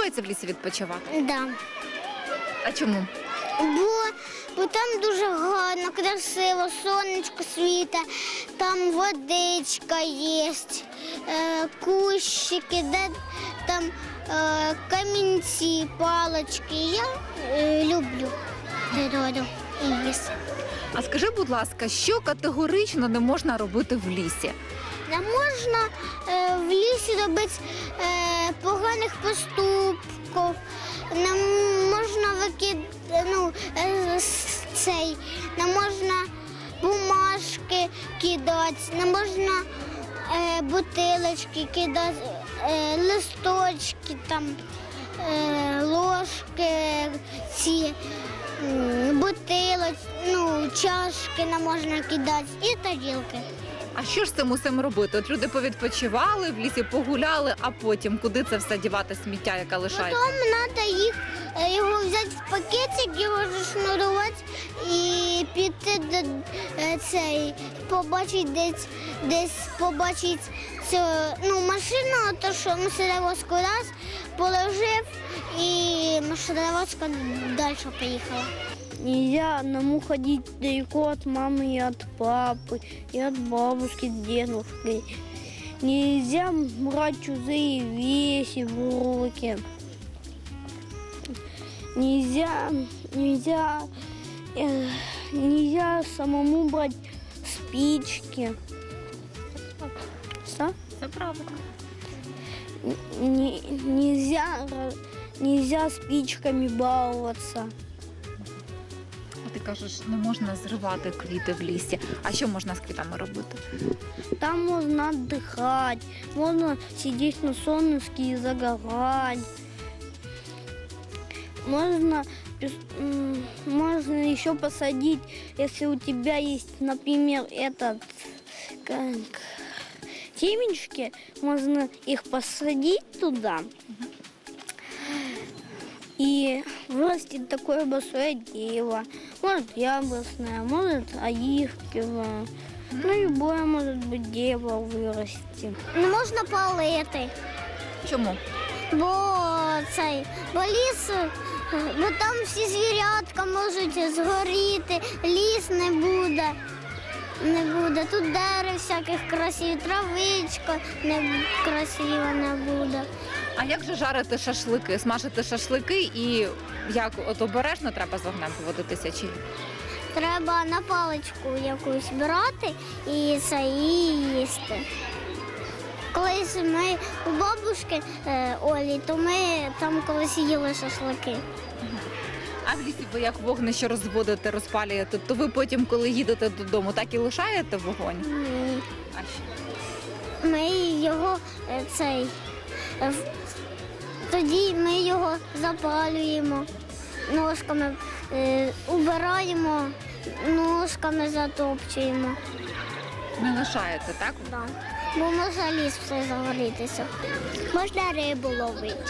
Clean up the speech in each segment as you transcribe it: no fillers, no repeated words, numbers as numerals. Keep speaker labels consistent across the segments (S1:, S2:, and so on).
S1: подобається в лісі відпочивати?
S2: Да.
S1: А чому?
S2: Бо там дуже гарно, красиво, сонечко світе, там водичка є, кущики, де там камінці, палочки. Я люблю природу і ліс.
S1: А скажи, будь ласка, що категорично не можна робити в лісі?
S2: Не можна в лісі робити поганих поступків, не можна не можна бумажки кидати, не можна бутилочки кидати, листочки, там, ложки, чашки не можна кидати і тарілки.
S1: А що ж з цим усім робити? От люди повідпочивали, в лісі погуляли, а потім куди це все дівати, сміття, яке лишається?
S2: Потім треба його взяти в пакетик, його зашнурувати і піти побачити побачити цю машину, то що машиновозку раз положив і машиновозка далі поїхала.
S3: Нельзя одному ходить далеко от мамы и от папы, и от бабушки с дедушкой. Нельзя брать чужие вещи в руки. Нельзя самому брать спички. Что?
S1: Це правда.
S3: Нельзя спичками баловаться.
S1: Ти кажеш, не можна зривати квіти в лісі. А що можна з квітами робити?
S3: Там можно отдыхать, можно сидеть на солнышке и загорать. Можно еще посадить, если у тебя есть, например, семечки, можно их посадить туда. И вырастет такое большое дерево. Может яблочное, может оливковое. Любое может быть дерево вырасти.
S2: Не можна палити,
S1: Чому?
S2: бо ліс, бо там всі звірятка можуть згоріти, ліс не буде. Тут дерев всяких красивих, травичка красива не буде.
S1: А як же жарити шашлики, смажити шашлики і як от обережно треба з вогнем поводитися чи ні?
S2: Треба на паличку якусь брати і це їсти. Колись ми у бабушки Олі, то ми там колись їли шашлики.
S1: А в лісі ви як вогнище розводите, розпалюєте, то ви потім, коли їдете додому, так і лишаєте вогонь?
S2: Ні.
S1: А що?
S2: Ми його тоді ми його запалюємо, ножками убираємо, ножками затопчуємо.
S1: Не лишаєте, так?
S2: Да. Бо може ліс все загорітися. Можна рибу ловити.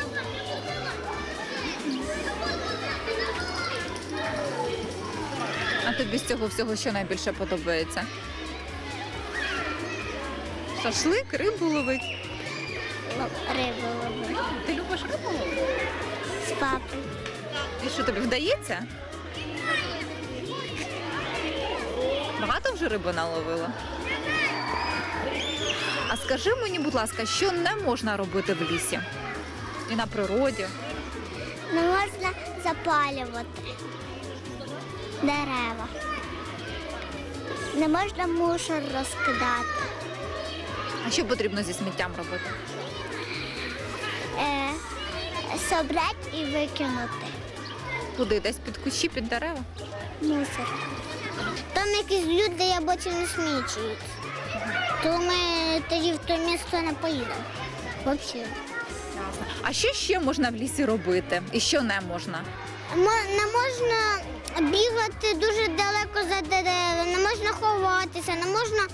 S1: А тобі з цього всього що найбільше подобається? Шашлик, рибу ловить.
S2: Рибу ловити.
S1: Ти любиш рибу ловити?
S2: З папою.
S1: І що, тобі вдається? Багато вже риби наловила? А скажи мені, будь ласка, що не можна робити в лісі? І на природі?
S2: Не можна запалювати дерева. Не можна мусор розкидати.
S1: А що потрібно зі сміттям робити?
S2: Собрати і викинути.
S1: Куди? Десь під кущі, під дерева?
S2: Мусор. Там якісь люди, я бачу, не смічують. То ми тоді в те місце не поїдемо. Взагалі.
S1: А що ще можна в лісі робити? І що не можна?
S2: Не можна бігати дуже далеко за дерева, не можна ховатися, не можна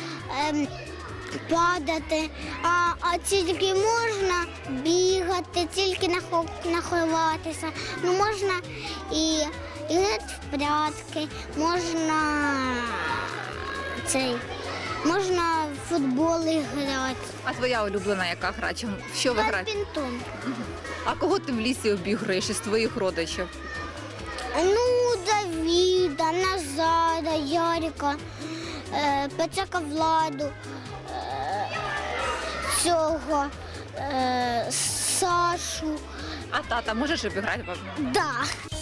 S2: падати, а тільки можна бігати, тільки не ховатися. Ну, можна і грати в прятки, можна Можна в футбол грати.
S1: А твоя улюблена яка гра? В що ви граєте?
S2: Бадмінтон.
S1: А кого ти в лісі обіграєш із твоїх родичів?
S2: Ну, Давіда, Назара, Ярика, Пацака Владу, цього, Сашу.
S1: А тата можеш обіграти?
S2: Да.